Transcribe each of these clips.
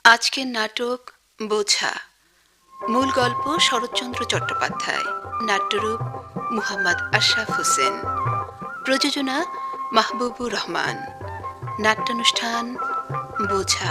আজকের নাটক বোঝা। মূল গল্প শরৎচন্দ্র চট্টোপাধ্যায়, নাট্যরূপ মুহাম্মদ আশরাফ হোসেন, প্রযোজনা মাহবুবুর রহমান, নাট্যানুষ্ঠান বোঝা।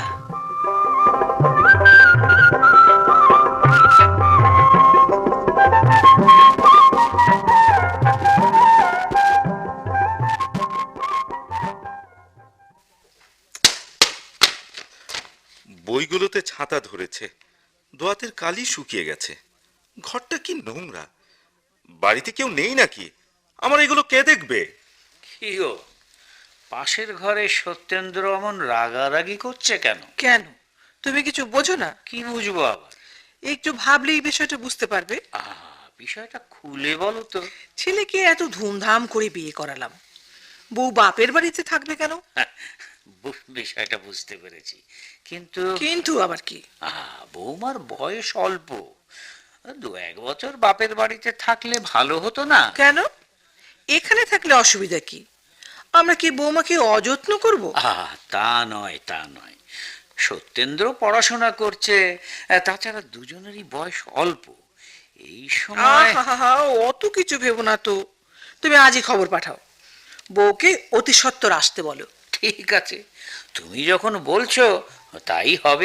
বইগুলোতে ছাতা ধরেছে, দোয়াতের কালি শুকিয়ে গেছে। ঘরটা কি নোংরা! বাড়িতে কেউ নেই নাকি? আমার এগুলো কে দেখবে? কি গো, পাশের ঘরে সত্যেন্দ্র অমন রাগারাগি করছে কেন? কেন? তুমি কিছু বোঝো না? কি বুঝবো আবার? একটু ভাবলেই বিষয়টা বুঝতে পারবে। বিষয়টা খুলে বলো তো। ছেলেকে এত ধুমধাম করে বিয়ে করালাম, বউ বাপের বাড়িতে থাকবে কেন? বিষয়টা বুঝতে পেরেছি, কিন্তু কিন্তু আবার কি? বৌমার বয়স অল্প, 2-1 বছর বাপের বাড়িতে থাকলে ভালো হতো না? কেন? এখানে থাকলে অসুবিধা কি? আমরা কি বৌমাকে অযত্ন করব? তা নয়, তা নয়। সত্যেন্দ্র পড়াশোনা করছে, তাছাড়া দুজনেরই বয়স অল্প। এই সময় অত কিছু ভেবো না তো। তুমি আজই খবর পাঠাও, বউকে অতি সত্বর আসতে বলো। ঠিক আছে, তুমি যখন বলছো তাই হবে।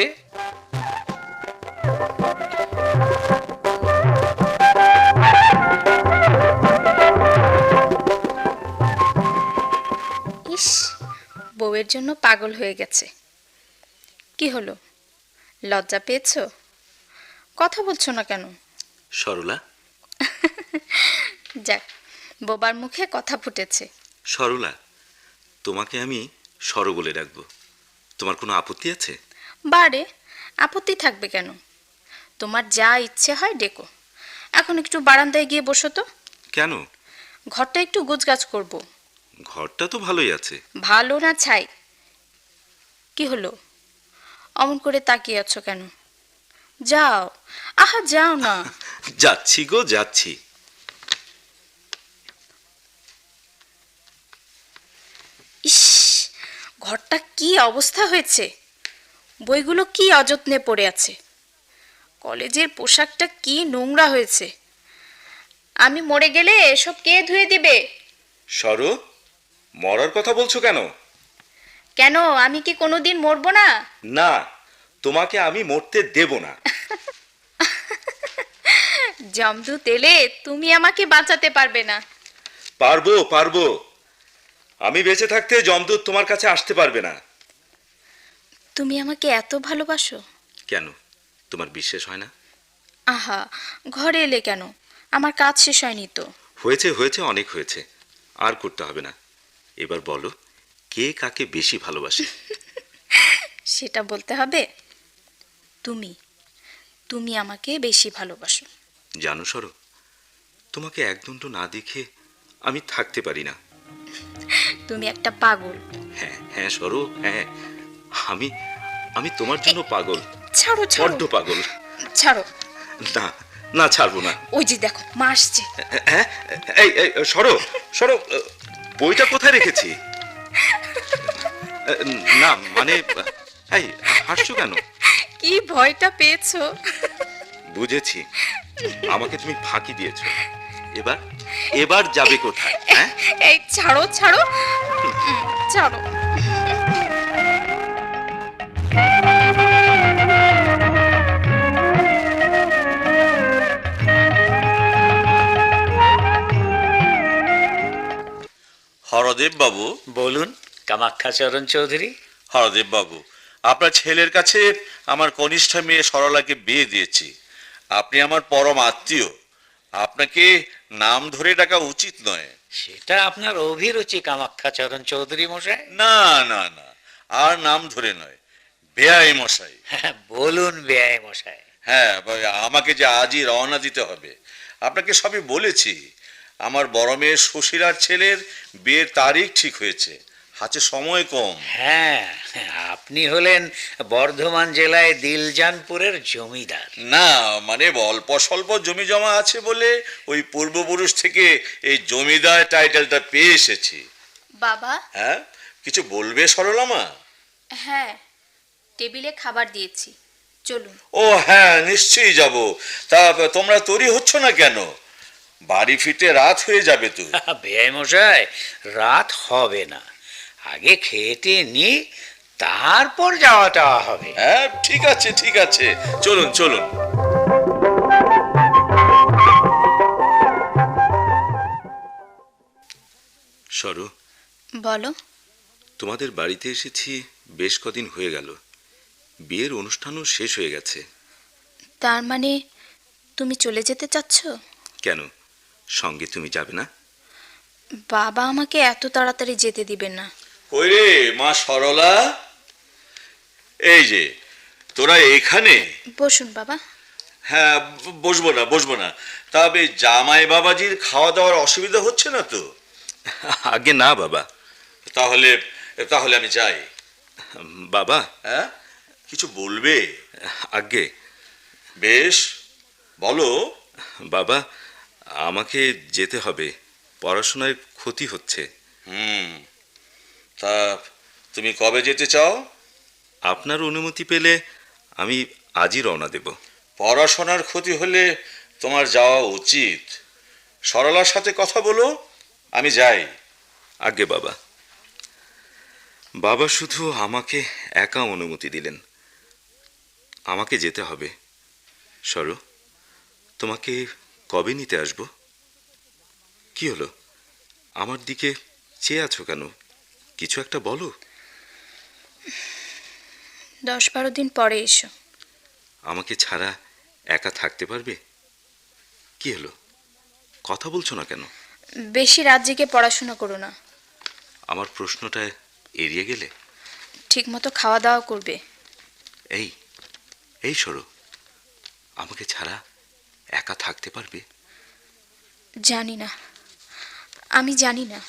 ইস, বউয়ের জন্য পাগল হয়ে গেছে। কি হলো, লজ্জা পেয়েছো? কথা বলছো না কেন? সরলা, যাক, বোবার মুখে কথা ফুটেছে। সরলা, তোমাকে আমি সর বলে ডাকবো। তোমার কোনো আপত্তি আছে? বারে, আপত্তি থাকবে কেন? তোমার যা ইচ্ছে হয় ডেকো। এখন একটু বারান্দায় গিয়ে বসো তো। কেন? ঘরটা একটু গোছগাছ করব। ঘরটা তো ভালোই আছে। ভালো না ছাই? কি হলো, অমন করে তাকিয়ে আছো কেন? যাও, আহা যাও না। যাচ্ছি গো, যাচ্ছি। ইস, ঘরটা কি অবস্থা হয়েছে! বইগুলো কি অযত্নে পড়ে আছে, কলেজের পোশাকটা কি নোংরা হয়েছে। আমি মরে গেলে এসব কে ধুয়ে দিবে? সর, মরার কথা বলছো কেন? কেন, আমি কি কোনোদিন মরবো না? না, তোমাকে আমি মরতে দেব না। জমদূত এলে তুমি আমাকে বাঁচাতে পারবে না। পারবো, পারবো। আমি বেঁচে থাকতে যমদূত তোমার কাছে আসতে পারবে না। তুমি আমাকে এত ভালোবাসো? কেন, তোমার বিশ্বাস হয় না? আহা, ঘরে এলে কেন? আমার কাজ শেষ হয়নি তো। হয়েছে, হয়েছে, অনেক হয়েছে। আর করতে হবে না। এবার বলো, কে কাকে বেশি ভালোবাসে? সেটা বলতে হবে? তুমি, তুমি আমাকে বেশি ভালোবাসো। জানো সরো, তোমাকে একদণ্ড না দেখে আমি থাকতে পারি না। তুমি একটা পাগল। হ্যাঁ হ্যাঁ সরো, হ্যাঁ, আমি আমি তোমার জন্য পাগল। ছাড়ো ছাড়ো, বড্ড পাগল। ছাড়ো। না, না, ছাড়বো না। ওই যে দেখো, মা আসছে। হ্যাঁ, এই এই, সরো, সরো। বইটা কোথায় রেখেছি? না মানে, এই হাসছো কেন? কি ভয়টা পেয়েছো? বুঝেছি, আমাকে তুমি ফাঁকি দিয়েছো। এবার এবার যাবে কোথায়? হ্যাঁ, এই ছাড়ো ছাড়ো, ছাড়ো। হরদেব বাবু। বলুন কামাক্ষাচরণ চৌধুরী। হরদেব বাবু, আপনার ছেলের কাছে আমার কনিষ্ঠ মেয়ে সরলাকে বিয়ে দিয়েছি। আপনি আমার পরম আত্মীয়, আপনাকে নাম ধরে ডাকা উচিত নয়। সেটা আপনার অভিরুচি কামাক্ষাচরণ চৌধুরী মশাই। না না না, আর নাম ধরে নয়, বেয়াই মশাই। হ্যাঁ, বলুন বেয়াই মশাই। হ্যাঁ, আমাকে যে আজই রওনা দিতে হবে। আপনাকে সবই বলেছি। আমার বড় মেয়ে সুশীলার ছেলের বিয়ের তারিখ ঠিক হয়েছে, হাতে সময় কম। হ্যাঁ, আপনি হলেন বর্ধমান জেলায় দিলজানপুরের জমিদার। না মানে অল্প স্বল্প জমি জমা আছে বলে ওই পূর্বপুরুষ থেকে এই জমিদার টাইটেলটা পেয়ে এসেছি। বাবা। হ্যাঁ, কিছু বলবে সরলামা? হ্যাঁ, টেবিলে খাবার দিয়েছি, চলুন। ও হ্যাঁ, নিশ্চয়ই যাব। তা তোমরা তৈরি হচ্ছ না কেন? বাড়ি ফিরতে রাত হয়ে যাবে তো। বেআই মশাই, রাত হবে না, আগে খেতে নি, তারপর যাওয়াটা হবে। হ্যাঁ, ঠিক আছে ঠিক আছে, চলুন চলুন। সরো, বলো। তোমাদের বাড়িতে এসেছি বেশ কদিন হয়ে গেল। বিয়ের অনুষ্ঠানও শেষ হয়ে গেছে। তার মানে তুমি চলে যেতে চাচ্ছ? কেন, সঙ্গে তুমি যাবে না? বাবা আমাকে এত তাড়াতাড়ি যেতে দিবেন না। কই রে মা সরলা, এই যে তোরা এখানে? বসুন বাবা। হ্যাঁ, বসবো না বসবো না। তবে জামাই বাবাজির খাওয়া দাওয়ার অসুবিধা হচ্ছে না তো? আগে না বাবা। তাহলে তাহলে আমি যাই। বাবা। হ্যাঁ, কিছু বলবে? আগে। বেশ, বলো। বাবা, আমাকে যেতে হবে, পড়াশোনায় ক্ষতি হচ্ছে। তা তুমি কবে যেতে চাও? আপনার অনুমতি পেলে আমি আজই রওনা দেব। পড়াশোনার ক্ষতি হলে তোমার যাওয়া উচিত। সরলার সাথে কথা বলো, আমি যাই। আগে বাবা। বাবা শুধু আমাকে একা অনুমতি দিলেন, আমাকে যেতে হবে। সরো, তোমাকে কবে নিতে আসবো? কি হলো, আমার দিকে চেয়ে আছো কেন? কিছু একটা বলো। 10-12 দিন পরে এসো। আমাকে ছাড়া একা থাকতে পারবে? কি হলো, কথা বলছো না কেন? বেশি রাত জেগে পড়াশোনা করো না। আমার প্রশ্নটা এড়িয়ে গেলে? ঠিকমতো খাওয়া দাওয়া করবে। এই এই সরো, আমাকে ছাড়া একা থাকতে পারবে? জানি না, আমি জানি না।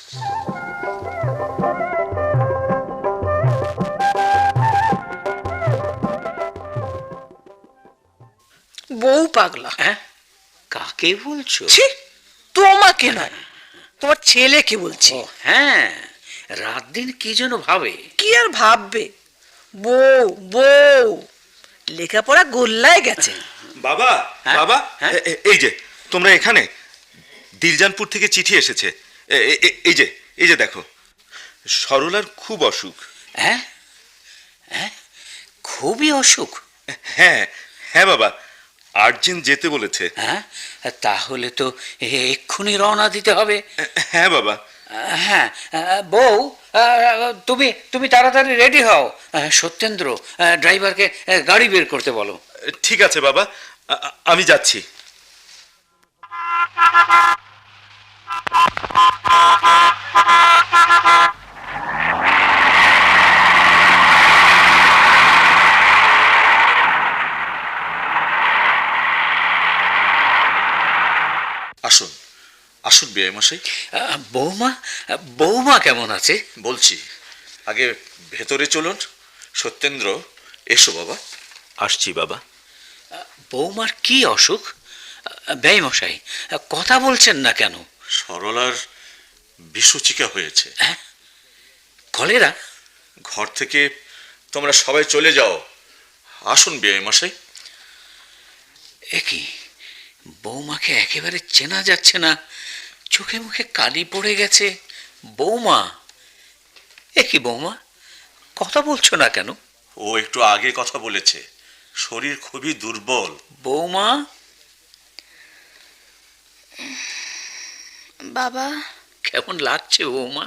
বউ পাগলা। হ্যাঁ, কাকে বলছো? ছি, তোমাকে নয়, তোমার ছেলেকে বলছি। ও হ্যাঁ, রাত দিন কি যেন ভাবে। কি আর ভাববে, বউ বউ লেখাপড়া গোল্লায় গেছে। বাবা। হ্যাঁ? বাবা, হ্যাঁ? এই যে তোমরা এখানে। দিলজানপুর থেকে চিঠি এসেছে। এই যে এই যে দেখো, সরলার খুব অসুখ। হ্যাঁ হ্যাঁ, খুবই অসুখ। হ্যাঁ হ্যাঁ বাবা, আর্জেন্ট যেতে বলেছে। হ্যাঁ, তাহলে তো এক্ষুনি রওনা দিতে হবে। হ্যাঁ বাবা। হ্যাঁ, বউ, তুমি তুমি তাড়াতাড়ি রেডি হও। সত্যেন্দ্র, ড্রাইভারকে গাড়ি বের করতে বলো। ঠিক আছে বাবা, আমি যাচ্ছি। আসুন আসুন বেআই মশাই। বৌমা, বৌমা কেমন আছে? বলছি, আগে ভেতরে চলুন। সত্যেন্দ্র, এসো বাবা। আসছি বাবা। বৌমার কি অসুখ? ব্যয় মশাই, কথা বলছেন না কেন? সরলার বিসূচিকা হয়েছে। কলেরা? ঘর থেকে তোমরা সবাই চলে যাও। আসুন বেআই মশাই। একই, বৌমাকে একেবারে চেনা যাচ্ছে না, চোখে মুখে কালি পড়ে গেছে। বৌমা, একই বৌমা, কথা বলছো না কেন? ও একটু আগে কথা বলেছে, শরীর খুবই দুর্বল। বৌমা। বাবা। কেমন লাগছে বৌমা?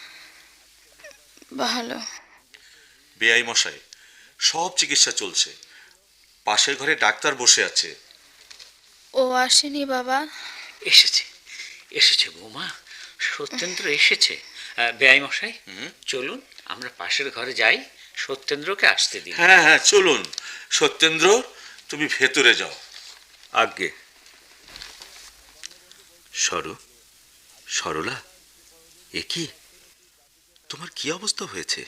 ভালো। বেআই মশাই, সব চিকিৎসা চলছে। পাশের ঘরে ডাক্তার বসে আছে। ও আসেনি বাবা? এসেছে, এসেছে বৌমা, সত্যেন্দ্র এসেছে। বেআই মশাই, চলুন আমরা পাশের ঘরে যাই, সত্যেন্দ্রকে আসতে দিন। হ্যাঁ হ্যাঁ, চলুন। সত্যেন্দ্র, তুমি ভেতরে যাও। আজ্ঞে। সরলা, এ কি, তোমার কি অবস্থা হয়েছে?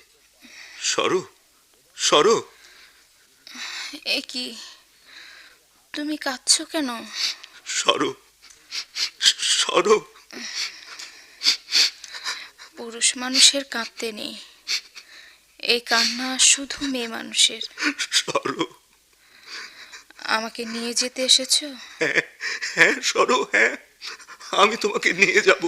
সরো। এ কি, তুমি কাঁদছো কেন? সরো। পুরুষ মানুষের কাঁদতে নেই, এই কান্না শুধু মেয়ে মানুষের। সরো। আমাকে নিয়ে যেতে এসেছো? হ্যাঁ সরো, হ্যাঁ, আমি তোমাকে নিয়ে যাব।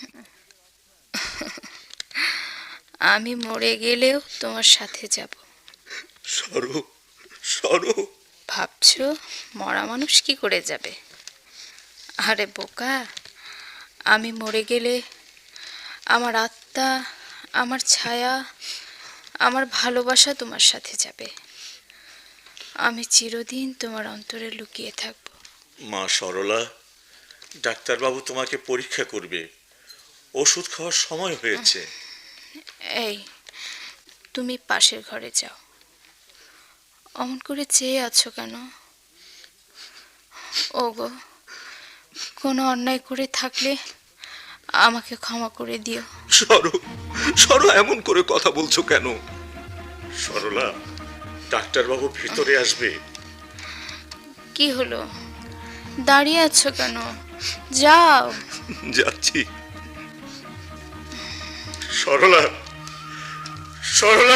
আমি মরে গেলেও তোমার সাথে যাব। সরো, সরো। ভাবছো মরা মানুষ কি করে যাবে? আরে বোকা, আমি মরে গেলে আমার আত্মা, আমার ছায়া, আমার ভালোবাসা তোমার সাথে যাবে। আমি চিরদিন তোমার অন্তরে লুকিয়ে থাকব। মা সরলা, ডাক্তারবাবু তোমাকে পরীক্ষা করবে, ওষুধ খাওয়ার সময় হয়েছে। এই, তুমি পাশের ঘরে যাও। অমন করে চেয়ে আছো কেন? ওগো, কোনো অন্যায় করে থাকলে আমাকে ক্ষমা করে দিও। সরো, সরো, এমন করে কথা বলছো কেন? সরলা, ডাক্তারবাবু ভিতরে আসবে। কি হলো, দাঁড়িয়ে আছো কেন? যাও। যাচ্ছি। সরলা, সরলা,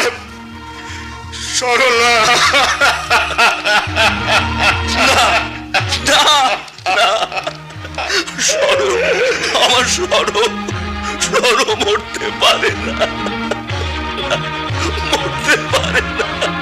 সরলা। সরো, আমার সরো, সরো মরতে পারে না, মরতে পারে না।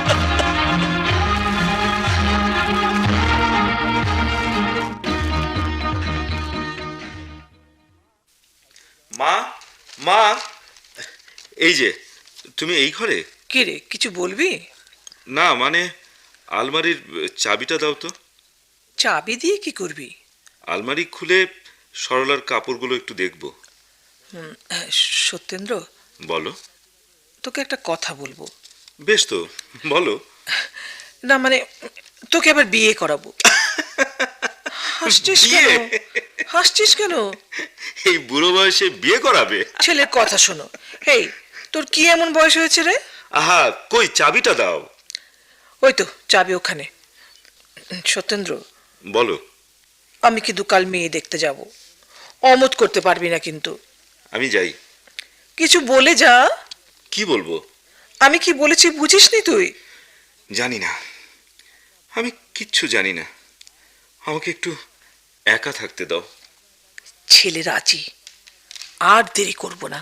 মা, মা, এই যে তুমি এই ঘরে? কি রে, কিছু বলবি? না মানে আলমারির চাবিটা দাও তো। চাবি দিয়ে কি করবি? আলমারি খুলে সরলার কাপড়গুলো একটু দেখবো। সত্যেন্দ্র, বলো। তোকে একটা কথা বলবো। বেশ তো, বলো। না মানে, তোকে আবার বিয়ে করাবো। হাসছিস কেন? বিয়ে? হাসছিস কেন? এই বুড়ো বয়সে বিয়ে করাবে? ছেলের কথা শোনো। এই, তোর কি এমন বয়স হয়েছে রে? আহা, কই চাবিটা দাও। ওই তো চাবি ওখানে। সত্যেন্দ্র, বলো। আমি কিন্তু কাল মেয়ে দেখতে যাব। অমত করতে পারবি না কিন্তু। আমি যাই। কিছু বলে যা। কি বলবো? আমি কি বলেছি বুঝিসনি তুই? জানি না, আমি কিচ্ছু জানি না। আমাকে একটু একা থাকতে দাও। ছেলে রাজি, আর দেরি করব না।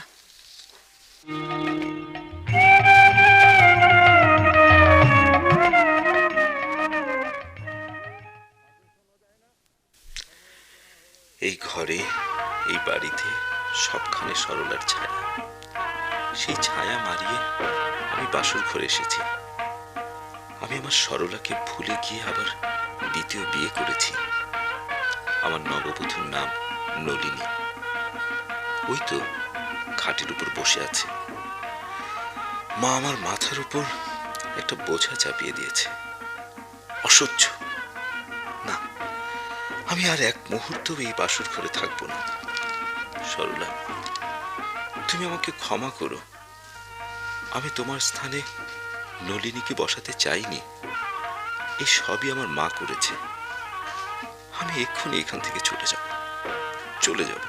এই ঘরে, এই বাড়িতে সবখানে সরলার ছায়া। সেই ছায়া মারিয়ে আমি বাসর ঘরে এসেছি। আমি আমার সরলাকে ভুলে গিয়ে আবার দ্বিতীয় বিয়ে করেছি। আমার নববধূর নাম নলিনী। ওই তো খাটের উপর বসে আছে। মা আমার মাথার উপর একটা বোঝা চাপিয়ে দিয়েছে। অসহ্য না, আমি আর এক মুহূর্ত এই বাসর ঘরে থাকবো না। সরলা, তুমি আমাকে ক্ষমা করো। আমি তোমার স্থানে নলিনীকে বসাতে চাইনি। এই সবই আমার মা করেছে। আমি এক্ষুনি এখান থেকে চলে যাব, চলে যাব।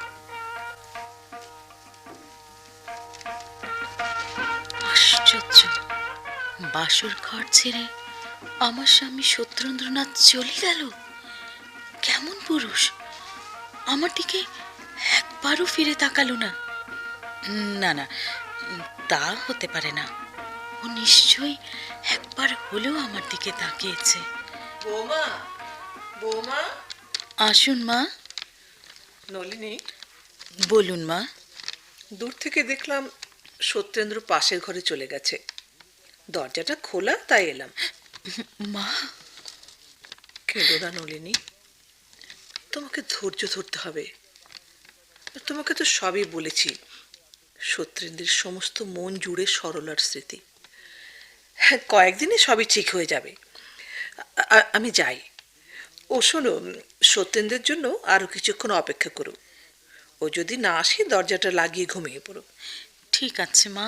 আশ্চর্য, বাসর ঘর ছেড়ে আমার স্বামী সত্যেন্দ্রনাথ চলে গেল। কেমন পুরুষ, আমার দিকে একবারও ফিরে তাকালো না। না না, তা হতে পারে না। ও নিশ্চয়ই একবার হলেও আমার দিকে তাকিয়েছে। বৌমা, বৌমা। আসুন মা। নলিনী, বলুন মা। দূর থেকে দেখলাম সত্যেন্দ্র পাশের ঘরে চলে গেছে। দরজাটা খোলা, তাই এলাম। মা, কেঁদো না নলিনী, তোমাকে ধৈর্য ধরতে হবে। তোমাকে তো সবই বলেছি। সত্যেন্দ্রের সমস্ত মন জুড়ে সরলার স্মৃতি। হ্যাঁ, কয়েকদিনে সবই ঠিক হয়ে যাবে। আমি যাই। ও শোনো, সত্যেন্দ্রের জন্য আরো কিছুক্ষণ অপেক্ষা করো। ও যদি না আসে দরজাটা লাগিয়ে ঘুমিয়ে পড়ো। ঠিক আছে মা।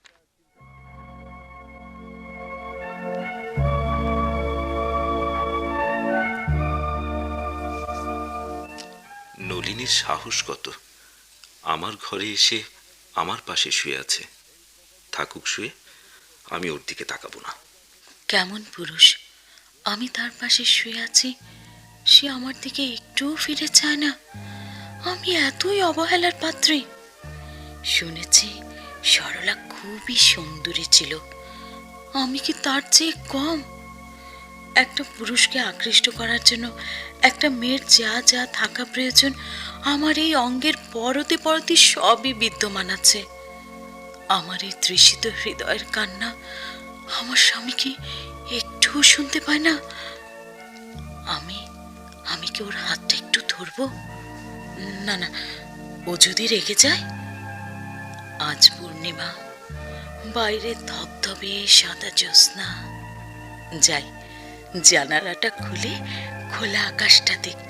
নলিনীর সাহস কত! আমার ঘরে এসে আমার পাশে শুয়ে আছে। থাকুক শুয়ে, আমি ওর দিকে তাকাবো না। কেমন পুরুষ! আমি তার পাশে শুয়ে আছি, সে আমার দিকে একটুও ফিরে চায় না। আমি এতই অবহেলার পাত্রী। শুনেছি সরলা খুবই সুন্দরী ছিল। আমি কি তার চেয়ে কম? একটা পুরুষকে আকৃষ্ট করার জন্য একটা মেয়ের যা যা থাকা প্রয়োজন আমার এই অঙ্গের পরতে পরতে সবই বিদ্যমান আছে। আমার এই তৃষিত হৃদয়ের কান্না আমার স্বামী কি একটুও শুনতে পায় না? আমি আমি কি ওর হাতটা একটু ধরবো? না না, ও যদি রেগে যায়। আজ পূর্ণিমা, বাইরে ধবধবে সাদা জ্যোৎস্না। যাই, জানালাটা খুলে খোলা আকাশটা দেখব।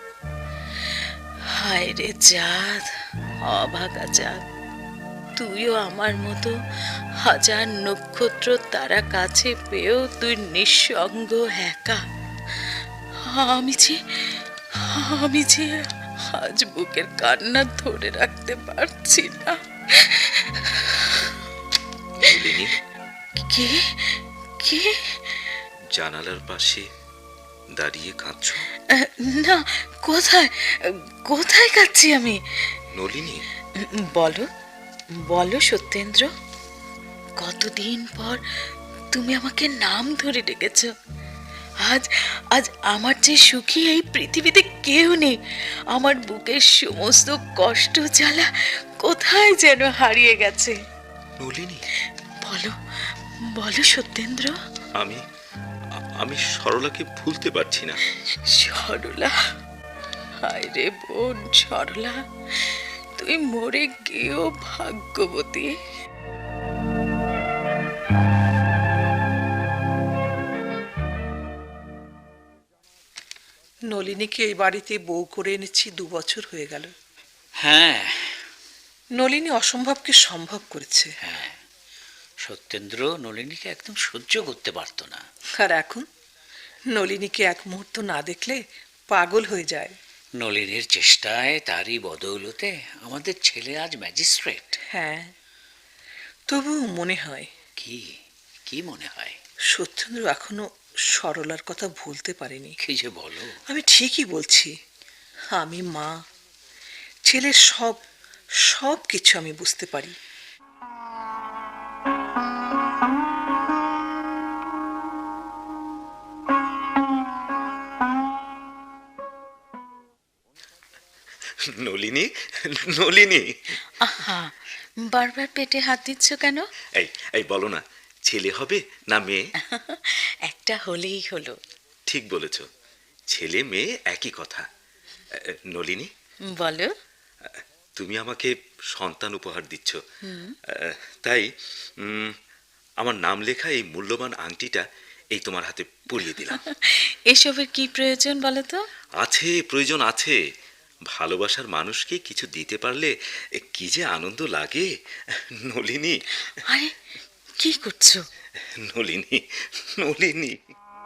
হায় রে চাঁদ, অভাগা চাঁদ, তুইও আমার মতো হাজার নক্ষত্র তারা কাছে পেয়েও তুই নিঃসঙ্গ একা। আমি যে আমি যে আজ বুকের কান্না ধরে রাখতে পারছি না। নলিনী, কে কে? জানালার পাশে দাঁড়িয়ে কাঁদছো? না, কোথায় কোথায় কাচ্ছি আমি? নলিনী, বলো বলো সত্যেন্দ্র, কতদিন পর তুমি আমাকে নাম ধরে ডেকেছ। আজ আজ আমার যে সুখী এই পৃথিবীতে কেউ নেই। আমার বুকের সমস্ত কষ্ট জ্বালা কোথায় যেন হারিয়ে গেছে। নলিনী, বলো বলো সত্যেন্দ্র। আমি আমি সরলাকে ভুলতে পারছি না। সরলা, হায় রে বোন সরলা, তুই মরে গিয়েও ভাগ্যবতী। নলিনীকে এই বাড়িতে বউ করে এনেছি 2 বছর হয়ে গেল। হ্যাঁ, নলিনী অসম্ভবকে সম্ভব করেছে। সত্যেন্দ্র নলিনীকে একদম সহ্য করতে পারতো না। আর এখন নলিনীকে এক মুহূর্ত না দেখলে পাগল হয়ে যায়। নলিনীর চেষ্টায়, তারই বদৌলতে আমাদের ছেলে আজ ম্যাজিস্ট্রেট। হ্যাঁ, তবু মনে হয় কি কি মনে হয়? সত্যেন্দ্র এখনো সরলার কথা ভুলতে পারেনি। কি যে বলো! আমি ঠিকই বলছি। আমি মা, ছেলের সব সব কিছু আমি বুঝতে পারি। নলিনী, নলিনী, আহা, বারবার পেটে হাত দিচ্ছ কেন? এই এই বলো না, ছেলে হবে না মেয়ে? একটা হলেই হলো। ঠিক বলেছ, ছেলে মেয়ে একই কথা। নলিনী, বলো। তুমি আমাকে সন্তান উপহার দিচ্ছ, তাই আমার নাম লেখা এই মূল্যবান আংটিটা এই তোমার হাতে পরিয়ে দিলাম। এসবের কি প্রয়োজন বলো তো? আছে, প্রয়োজন আছে। ভালোবাসার মানুষকে কিছু দিতে পারলে কি যে আনন্দ লাগে। নলিনী, আরে কি করছো? নলিনী, নলিনী।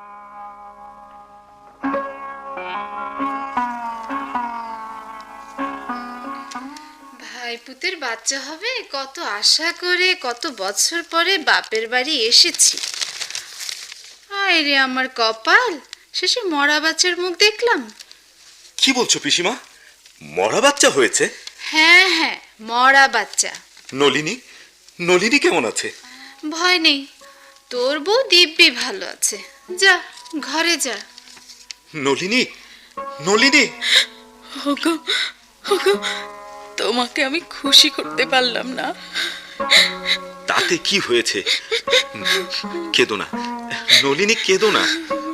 ভাইপুতের বাচ্চা হবে কত আশা করে কত বছর পরে বাপের বাড়ি এসেছি। আয় রে আমার কপাল, শেষে মরা বাচ্চার মুখ দেখলাম। কি বলছো পিসিমা? মরা বাচ্চা হয়েছে? হ্যাঁ হ্যাঁ, মরা বাচ্চা। নলিনী, নলিনী কেমন আছে? ভয় নেই, তোর বউ দিব্যি ভালো আছে। যা ঘরে যা। নলিনী, নলিনী। ওগো ওগো, তোমাকে আমি খুশি করতে পারলাম না। তাতে কি হয়েছে? কেঁদো না নলিনী, কেঁদো না।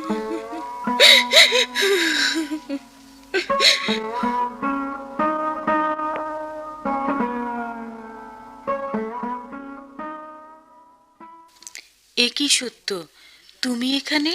এ কি সত্য, তুমি এখানে?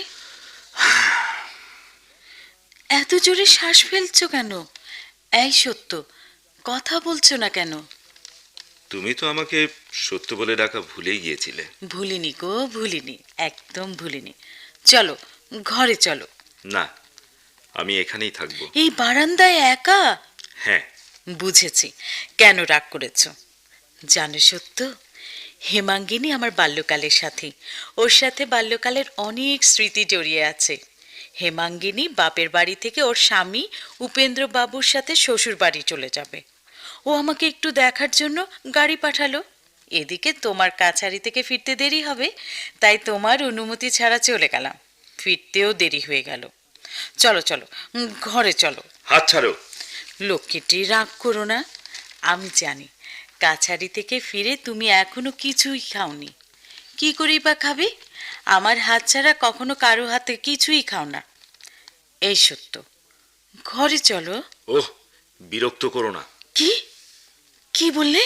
এত জোরে শ্বাস ফেলছো কেন? এই সত্য, কথা বলছো না কেন? তুমি তো আমাকে সত্য বলে ডাকা ভুলেই গিয়েছিলে। ভুলিনি গো, ভুলিনি, একদম ভুলিনি। চলো ঘরে চলো। না, আমি এখানেই থাকবো। এই বারান্দায় একা? হ্যাঁ। বুঝেছি কেন রাগ করেছ। জানো সত্য, হেমাঙ্গিনী আমার বাল্যকালের সাথী। ওর সাথে বাল্যকালের অনেক স্মৃতি জড়িয়ে আছে। হেমাঙ্গিনী বাপের বাড়ি থেকে ওর স্বামী উপেন্দ্র বাবুর সাথে শ্বশুর বাড়ি চলে যাবে। ও আমাকে একটু দেখার জন্য গাড়ি পাঠালো। এদিকে তোমার কাছারি থেকে ফিরতে দেরি হবে, তাই তোমার অনুমতি ছাড়া চলে গেলাম। ফিরতেও দেরি হয়ে গেল। চলো চলো, ঘরে চলো। হাত ছাড়ো। লক্ষ্মীটি রাগ করো না। আমি জানি কাছারি থেকে ফিরে তুমি এখনো কিছুই খাওনি। কি করেই বা খাবে? আমার হাত ছাড়া কখনো কারো হাতে কিছুই খাও না। এই সত্য, ঘরে চলো। ওহ, বিরক্ত করো না। কি কি বললে?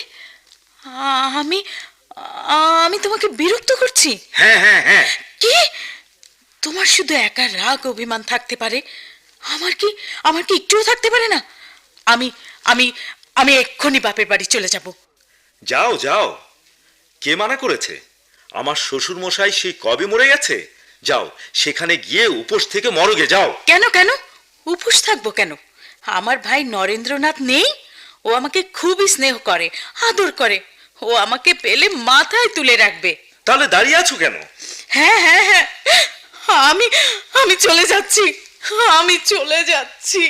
আমি আমি তোমাকে বিরক্ত করছি? হ্যাঁ হ্যাঁ হ্যাঁ। কি? তোমার শুধু একা রাগ অভিমান থাকতে পারে, আমার কি একটুও থাকতে পারে না? আমি আমি আমি এক্ষুনি বাপের বাড়ি চলে যাব। যাও যাও, কে মানা করেছে? আমার শ্বশুর মশাই সেই কবে মরে গেছে। যাও, সেখানে গিয়ে উপোস থেকে মরগে যাও। কেন কেন উপোস থাকবো কেন? আমার ভাই নরেন্দ্রনাথ নেই? ও আমাকে খুবই স্নেহ করে, আদর করে। ও আমাকে পেলে মাথায় তুলে রাখবে। তাহলে দাঁড়িয়ে আছো কেন? হ্যাঁ হ্যাঁ হ্যাঁ, আমি আমি চলে যাচ্ছি। আমি চলে যাচ্ছি,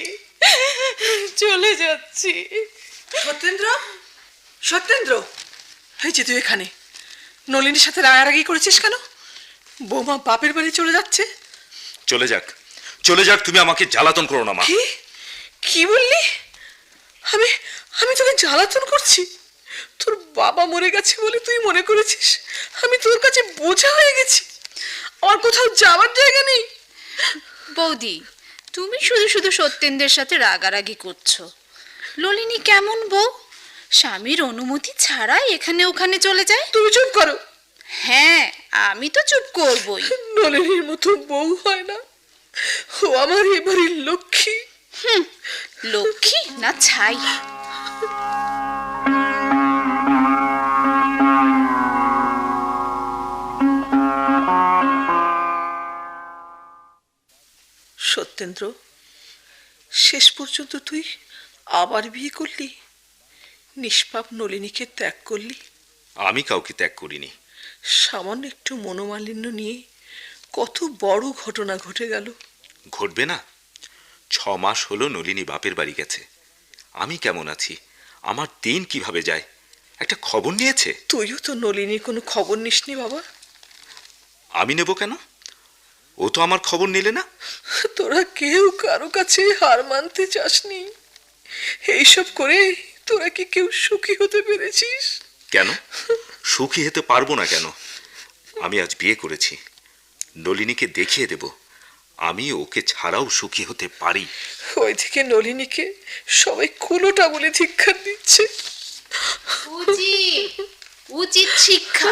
চলে যাচ্ছি। সত্যেন্দ্র, সত্যেন্দ্র, এই যে তুই এখানে নলিনীর সাথে রাগারাগি করেছিস কেন? বৌমা বাপের বাড়ি চলে যাচ্ছে। চলে যাক, চলে যাক, তুমি আমাকে জ্বালাতন করো না মা। কি কি বললি? আমি আমি তোকে জ্বালাতন করছি? তোর বাবা মরে গেছে বলে তুই মনে করেছিস আমি তোর কাছে বোঝা হয়ে গেছি? আমার কোথাও যাওয়ার জায়গা নেই? বৌদি, তুমি শুধু শুধু সত্যেন্দ্রের সাথে রাগারাগি করছো। ললিনী কেমন বউ, স্বামীর অনুমতি ছাড়াই এখানে ওখানে চলে যায়। তুমি চুপ করো। হ্যাঁ, আমি তো চুপ করবই। নলিনীর মতো বউ হয় না। ও আমার এবারের লক্ষ্মী। লক্ষ্মী না ছাই। সত্যেন্দ্র, শেষ পর্যন্ত তুই আবার বিয়ে করলি, নিষ্পাপ নলিনীকে ত্যাগ করলি। আমি কাউকে ত্যাগ করিনি। সামান্য একটু মনোমালিন্য নিয়ে কত বড় ঘটনা ঘটে গেল। ঘটবে না? 6 মাস হলো নলিনী বাপের বাড়ি গেছে। আমি কেমন আছি, আমার দিন কিভাবে যায়, একটা খবর নিয়েছে? তুইও তো নলিনীর কোনো খবর নিসনি বাবা। আমি নেব কেন? ও তো আমার খবর নিলে না। তোরা কেউ কারো কাছে হার মানতে চাসনি। এইসব করে তোরা কি কেউ সুখী হতে পেরেছিস? কেন সুখী হতে পারবো না কেন? আমি আজ বিয়ে করেছি, নলিনীকে দেখিয়ে দেব আমি ওকে ছাড়াও সুখী হতে পারি। ওইদিকে নলিনীকে সবাই কুলোটা বলে ধিক্কার দিচ্ছে। উচিত শিক্ষা।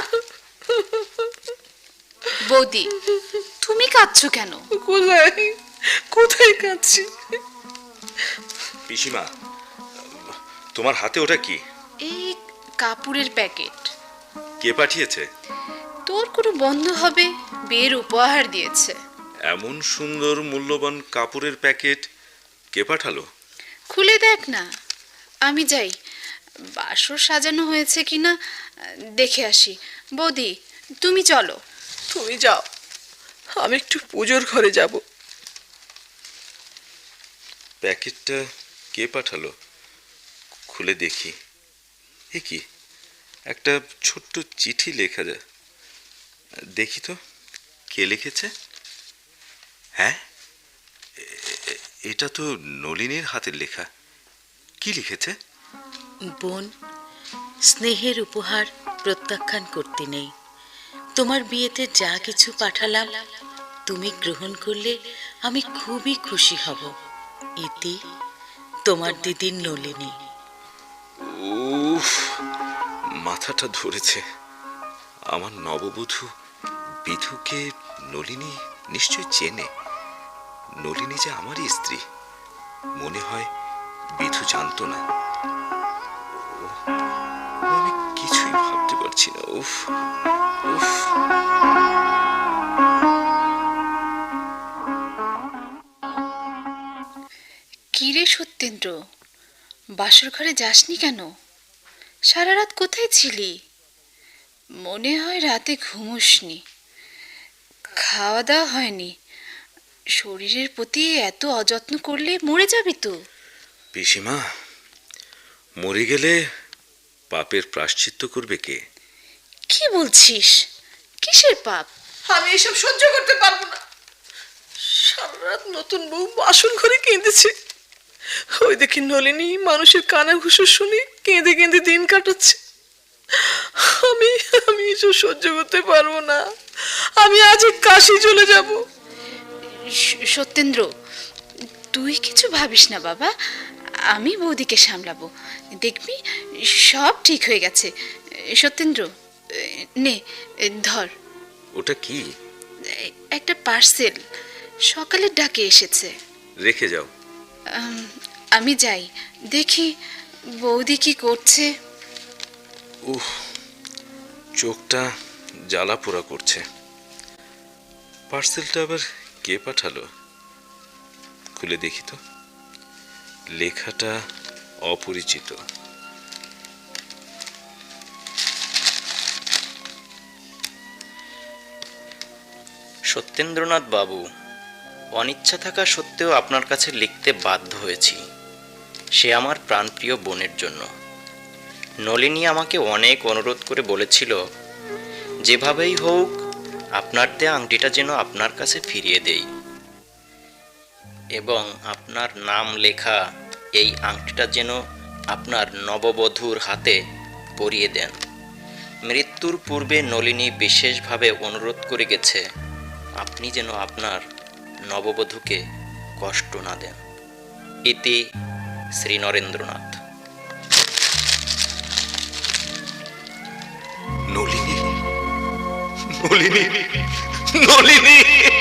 বৌদি, তুমি কাঁদছো কেন? কোথায় কোথায় কাঁদছি? পিসিমা, তোমার হাতে ওটা কি? এই কাপড়ের প্যাকেট। কে পাঠিয়েছে? তোর কোনো বন্ধু হবে, বিয়ের উপহার দিয়েছে। এমন সুন্দর মূল্যবান কাপড়ের প্যাকেট কে পাঠালো? খুলে দেখ না। আমি যাই, বাসর সাজানো হয়েছে কিনা দেখে আসি। বৌদি, তুমি চলো। তুমি যাও, আমি একটু পুজোর ঘরে যাব। প্যাকেটটা কে পাঠালো? খুলে দেখি। এ কি, একটা ছোট্ট চিঠি লেখা যায়। দেখি তো কে লিখেছে। হ্যাঁ, এটা তো নলিনীর হাতের লেখা। কি লিখেছে? বোন, স্নেহের উপহার প্রত্যাখ্যান করতে নেই। তোমার বিয়েতে যা কিছু পাঠালাম তুমি গ্রহণ করলে আমি খুবই খুশি হব। ইতি, তোমার দিদির নলিনী। উফ, মাথাটা ধরেছে। আমার নববধূ বিধুকে নলিনী নিশ্চয় চেনে। নলিনী যে আমারই স্ত্রী, মনে হয় বিধু জানতো না। আমি কিছুই ভাবতে পারছি না। উফ উফ। কি রে সত্যেন্দ্র, বাসর ঘরে যাসনি কেন? সারা রাত কোথায় ছিলি? মনে হয় রাতে ঘুমোসনি, খাওয়া দাওয়া হয়নি। শরীরের প্রতি এত অযত্ন করলে মরে যাবি তো। পিসিমা, মরে গেলে পাপের প্রায়শ্চিত্ত করবে কে? কি বলছিস? কিসের পাপ? আমি এসব সহ্য করতে পারবো না। সারা রাত নতুন বউ বাসন ঘরে কেঁদেছে। ওই দেখি নলিনী মানুষের কানে ঘুষো শুনে কেঁদে কেঁদে দিন কাটাচ্ছে। আমি আমি এসব সহ্য করতে পারবো না। আমি আজ কাশি চলে যাব। সত্যেন্দ্র, তুই কিছু ভাবিস না বাবা, আমি বৌদিকে সামলাবো, দেখবি সব ঠিক হয়ে গেছে। সত্যেন্দ্র, নে ধর। ওটা কি? একটা পার্সেল, সকালের ডাকে এসেছে। রেখে যাও। আমি যাই, দেখি বৌদি কি করছে। উহ, চোখটা জ্বালা পোড়া করছে। পার্সেলটা আবার কে পাঠালো? খুলে দেখি তো। লেখাটা অপরিচিত। সত্যেন্দ্রনাথ বাবু, অনিচ্ছা থাকা সত্ত্বেও আপনার কাছে লিখতে বাধ্য হয়েছি। সে আমার প্রাণপ্রিয় বোনের জন্য। নলিনী আমাকে অনেক অনুরোধ করে বলেছিল, যেভাবেই হোক আপনার দেয়া আংটিটা যেন আপনার কাছে ফিরিয়ে দেই, এবং আপনার নাম লেখা এই আংটিটা যেন আপনার নববধূর হাতে পরিয়ে দেন। মৃত্যুর পূর্বে নলিনী বিশেষভাবে অনুরোধ করে গেছে, আপনি যেন আপনার নববধূকে কষ্ট না দেন। ইতি শ্রী নরেন্দ্রনাথ। নলিনী, নলিনী, নলিনী।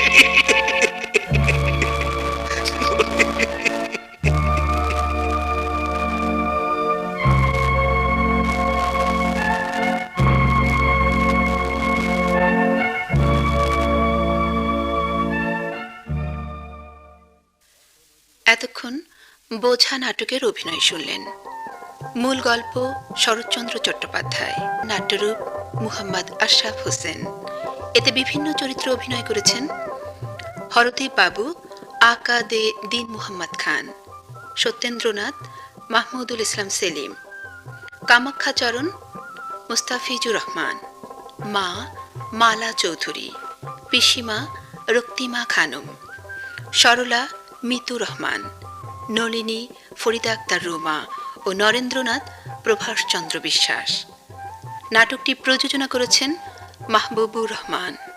এতক্ষণ বোঝা নাটকের অভিনয় শুনলেন। মূল গল্প শরৎচন্দ্র চট্টোপাধ্যায়, নাট্যরূপ মুহাম্মদ আশরাফ হোসেন। এতে বিভিন্ন চরিত্রে অভিনয় করেছেন হরদীপ বাবু, আকা দে দিন মুহাম্মদ খান, সত্যেন্দ্রনাথ মাহমুদুল ইসলাম সেলিম, কামাখ্যাচরণ মুস্তাফিজুর রহমান, মা মালা চৌধুরী, পিসিমা রক্তিমা খানম, সরলা মিতু রহমান, নলিনী ফরিদা আক্তার রুমা ও নরেন্দ্রনাথ প্রভাষচন্দ্র বিশ্বাস। নাটকটি প্রযোজনা করেছেন মাহবুবুর রহমান।